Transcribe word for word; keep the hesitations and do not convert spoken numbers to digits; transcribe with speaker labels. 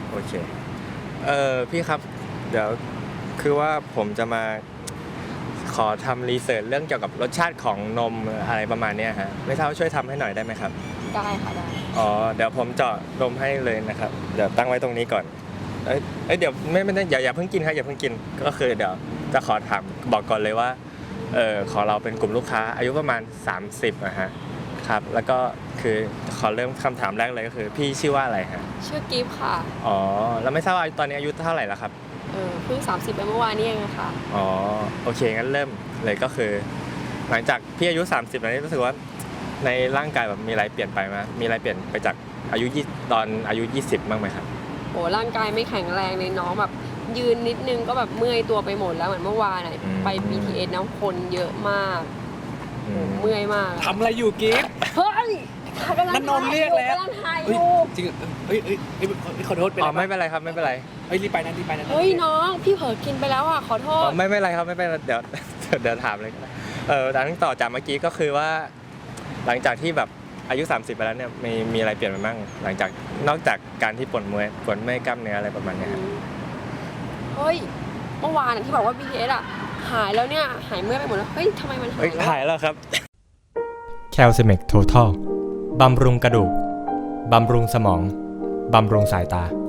Speaker 1: โอเคเออพี่ครับเดี๋ยวคือว่าผมจะมาขอทำรีเสิร์ชเรื่องเกี่ยวกับรสชาติของนมอะไรประมาณนี้ฮะไม่ทราบว่าช่วยทำให้หน่อยได้ไหมครับ
Speaker 2: ได้ค่ะได้
Speaker 1: อ๋อเดี๋ยวผมเจาะนมให้เลยนะครับเดี๋ยวตั้งไว้ตรงนี้ก่อนเอ้ยเอ้ยเดี๋ยวไม่ไม่ได้อย่าอย่าเพิ่งกินครับอย่าเพิ่งกินก็คือเดี๋ยวจะขอถามบอกก่อนเลยว่าเออขอเราเป็นกลุ่มลูกค้าอายุประมาณสามสิบนะฮะครับแล้วก็คือขอเริ่มคำถามแรกเลยก็คือพี่ชื่อว่าอะไรฮะ
Speaker 2: ชื่อกิฟต์ค่ะ
Speaker 1: อ๋อแล้วไม่ทราบว่าตอนนี้อายุเท่าไหร่แล้วครับ
Speaker 2: เออเพิ่งสามสิบไปเมื่อวานนี้เองค่ะ
Speaker 1: อ๋อโอเคงั้นเริ่มเลยก็คือหลังจากพี่อายุสามสิบแล้วนี่รู้สึกว่าในร่างกายแบบมีอะไรเปลี่ยนไปไหมมีอะไรเปลี่ยนไปจากอายุยี่ตอนอายุยี่สิบบ้างไหมครับ
Speaker 2: โอ้ร่างกายไม่แข็งแรงเลยน้องแบบยืนนิดนึงก็แบบเมื่อยตัวไปหมดแล้วเหมือนเมื่อวานอ่ะไป บี ที เอส น้ำคนเยอะมากเมื่อยมาก
Speaker 3: ทำอะไรอยู่กิฟต์
Speaker 2: เฮ้ย
Speaker 3: นันนนเรียกแล้ว
Speaker 2: กำลังถ่ายอ
Speaker 3: เฮ้ย
Speaker 2: ยู่
Speaker 3: จริงเฮ้ยเฮ้ยเฮ้ยขอโทษเป็น
Speaker 1: อ๋อ
Speaker 3: ไร
Speaker 1: ไม่เป็นไรครับไม่เป็นไร
Speaker 3: เฮ้ยรีบไปนะรีบไปนะ
Speaker 2: เฮ้ยน้องพี่เผลอกินไปแล้วอ่ะขอโท
Speaker 1: อ๋
Speaker 2: ษ
Speaker 1: อไม่เป็นไรครับไม่เป็นไรเดี๋ยวเดี๋ยวถามเลยก็ได้เออดังต่อจากเมื่อกี้ก็คือว่าหลังจากที่แบบอายุสามสิบไปแล้วเนี่ยมีมีอะไรเปลี่ยนไปบ้างหลังจากนอกจากการที่ปวดเมื่อยปวดเมื่อยกล้ามเนื้ออะไรประมาณเนี้ยครับ
Speaker 2: เฮ้ยเมื่อวานที่บอกว่า บี ที เอส อ่ะหายแล้วเนี่ยหายเมื่อยไปหมดแล้วเฮ้ยทำไมมันหาย
Speaker 1: เฮ้ย
Speaker 2: แล้ว
Speaker 1: หายแล้วครับแคลซิเมกโททัลบำรุงกระดูกบำรุงสมองบำรุงสายตา